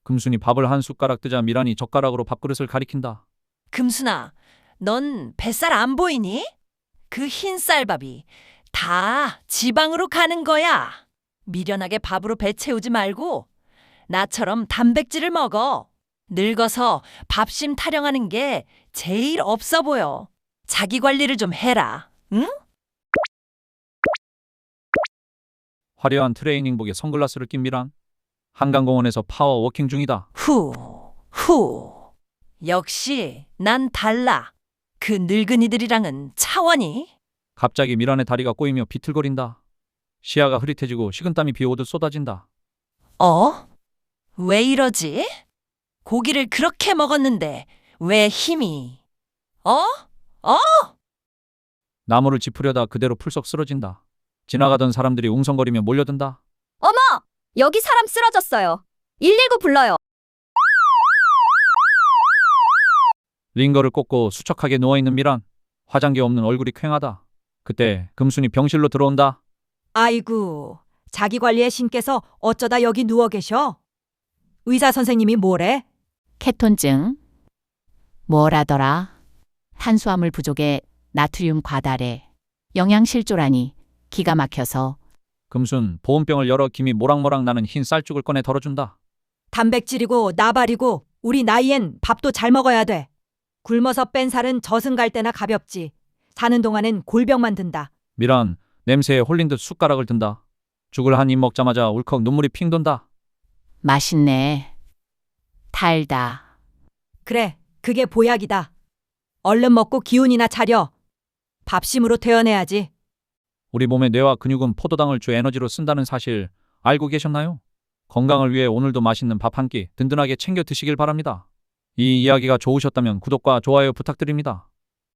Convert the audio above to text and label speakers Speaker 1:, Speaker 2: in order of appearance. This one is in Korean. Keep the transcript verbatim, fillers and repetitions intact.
Speaker 1: 금순이 밥을 한 숟가락 뜨자 미란이 젓가락으로 밥그릇을 가리킨다.
Speaker 2: 금순아, 넌 뱃살 안 보이니? 그 흰 쌀밥이 다 지방으로 가는 거야. 미련하게 밥으로 배 채우지 말고 나처럼 단백질을 먹어. 늙어서 밥심 타령하는 게 제일 없어 보여. 자기 관리를 좀 해라. 응?
Speaker 1: 화려한 트레이닝복에 선글라스를 낀 미란. 한강공원에서 파워워킹 중이다.
Speaker 2: 후, 후. 역시 난 달라. 그 늙은이들이랑은 차원이.
Speaker 1: 갑자기 미란의 다리가 꼬이며 비틀거린다. 시야가 흐릿해지고 식은땀이 비오듯 쏟아진다.
Speaker 2: 어? 왜 이러지? 고기를 그렇게 먹었는데 왜 힘이? 어? 어?
Speaker 1: 나무를 짚으려다 그대로 풀썩 쓰러진다. 지나가던 사람들이 웅성거리며 몰려든다.
Speaker 3: 어머! 여기 사람 쓰러졌어요. 일일구 불러요.
Speaker 1: 링거를 꽂고 수척하게 누워있는 미란. 화장기 없는 얼굴이 퀭하다. 그때 금순이 병실로 들어온다.
Speaker 4: 아이고, 자기 관리의 신께서 어쩌다 여기 누워 계셔? 의사 선생님이 뭐래?
Speaker 5: 케톤증. 뭐라더라? 탄수화물 부족에 나트륨 과다래. 영양실조라니 기가 막혀서.
Speaker 1: 금순 보온병을 열어 김이 모락모락 나는 흰 쌀죽을 꺼내 덜어준다.
Speaker 4: 단백질이고 나발이고 우리 나이엔 밥도 잘 먹어야 돼. 굶어서 뺀 살은 저승 갈 때나 가볍지. 사는 동안엔 골병만 든다.
Speaker 1: 미란 냄새에 홀린 듯 숟가락을 든다. 죽을 한 입 먹자마자 울컥 눈물이 핑 돈다.
Speaker 5: 맛있네. 달다.
Speaker 4: 그래, 그게 보약이다. 얼른 먹고 기운이나 차려. 밥심으로 퇴원해야지.
Speaker 1: 우리 몸의 뇌와 근육은 포도당을 주 에너지로 쓴다는 사실 알고 계셨나요? 건강을 위해 오늘도 맛있는 밥 한 끼 든든하게 챙겨 드시길 바랍니다. 이 이야기가 좋으셨다면 구독과 좋아요 부탁드립니다.